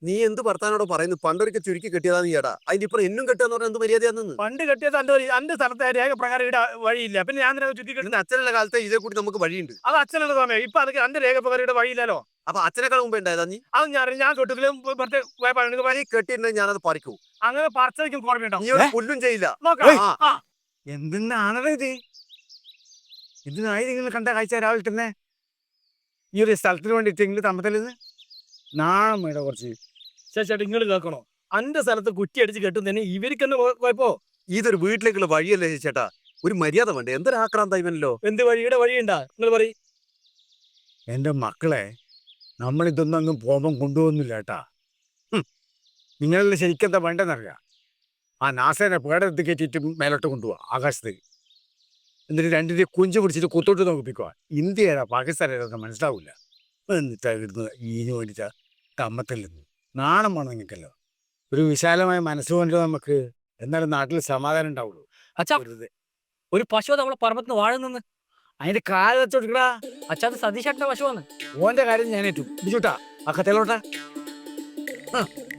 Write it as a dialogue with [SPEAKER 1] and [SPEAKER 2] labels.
[SPEAKER 1] നീ എന്ത് ഭർത്താനോട് പറയുന്നു? പണ്ടൊരിക്കൽ ചുരുക്കി കെട്ടിയതാ നീ ഏടാ. അതിന്റെ ഇപ്പൊ എന്നും കെട്ടാന്ന് പറഞ്ഞാൽ എന്ത് മര്യാദയാണെന്ന്?
[SPEAKER 2] പണ്ട് കെട്ടിയത് അന്റെ സ്ഥലത്തെ രേഖ പ്രകാരം ഇവിടെ വഴിയില്ല. പിന്നെ ഞാൻ ചുറ്റി കെട്ടുന്നത്
[SPEAKER 1] അച്ഛനുള്ള കാലത്തെ ഇതേ കൂടി നമുക്ക് വഴിയുണ്ട്.
[SPEAKER 2] അത് അച്ഛനുള്ള സമയം. ഇപ്പൊ അതൊക്കെ അന്റെ രേഖ പ്രകാരം ഇവിടെ വഴിയില്ലല്ലോ.
[SPEAKER 1] അപ്പൊ അച്ഛനേക്കാൾ മുമ്പ് ഉണ്ടായതാ നീ?
[SPEAKER 2] അത് ഞാൻ കെട്ടിലും
[SPEAKER 1] കെട്ടിയിട്ടുണ്ടെങ്കിൽ ഞാനത് പറിക്കൂ.
[SPEAKER 2] അങ്ങനെ പറിച്ചതിക്കും കുഴപ്പമുണ്ടോ?
[SPEAKER 1] നീ ഒരു പുല്ലും ചെയ്യില്ല.
[SPEAKER 2] നോക്കാം. എന്തിനാണത് ഇത്? ഇതിനായി നിങ്ങൾ കണ്ട കാഴ്ച രാവിലെ തന്നെ ഈ ഒരു സ്ഥലത്തിന് വേണ്ടിയിട്ടെങ്കിലും തമ്മത്തലിന്ന് നാണം വേണ്ട കുറച്ച്. ചേട്ടാ നിങ്ങൾ കേൾക്കണോ? അന്റെ സ്ഥലത്ത് കുറ്റി അടിച്ച് കെട്ടുന്നതിന് ഇവർക്ക് തന്നെ കുഴപ്പോ?
[SPEAKER 1] ഇതൊരു വീട്ടിലേക്കുള്ള വഴിയല്ലേ ചേട്ടാ? ഒരു മര്യാദ വേണ്ടേ? എന്തൊരു ആക്രാന്തായിവനല്ലോ.
[SPEAKER 2] എന്ത് വഴിയുടെ വഴിയുണ്ടാ? നിങ്ങൾ പറയും. എന്റെ മക്കളെ നമ്മളിതൊന്നും അങ്ങ് പോകുമ്പം കൊണ്ടുപോകുന്നില്ല കേട്ടാ. നിങ്ങളെല്ലാം ശരിക്കെന്താ വേണ്ടെന്നറിയാം. ആ നാസേനെ പേടെടുത്ത് കയറ്റിയിട്ട് മേലോട്ട് കൊണ്ടുപോവാ ആകാശത്തേക്ക്. എന്നിട്ട് രണ്ടിന്റെ കുഞ്ചു പിടിച്ചിട്ട് കുത്തോട്ട് നോക്കിപ്പിക്കുക. ഇന്ത്യയുടെ പാകിസ്ഥാനൊക്കെ മനസ്സിലാവില്ല. എന്നിട്ടാ ഇടുന്നത് ഈന് വേണ്ടിയിട്ടാ തമ്മത്തല്ലെന്ന്. നാണം വേണം നിങ്ങൾക്കല്ലോ. ഒരു വിശാലമായ മനസ്സുകൊണ്ട് നമുക്ക് എന്നാലും നാട്ടിൽ സമാധാനം ഉണ്ടാവുള്ളൂ.
[SPEAKER 3] അച്ഛാ, ഒരു പശു നമ്മളെ പറമ്പത്തിന് വാഴ നിന്ന്
[SPEAKER 2] അതിന്റെ കാല് വെച്ചോടുക്കടാ.
[SPEAKER 3] അച്ഛാ, അത് സതീഷേട്ടന്റെ പശുവാണ്.
[SPEAKER 2] ഓന്റെ കാര്യം ഞാൻ ഏറ്റു. ബിജുട്ടാ ആ കഥയിലോട്ടാ.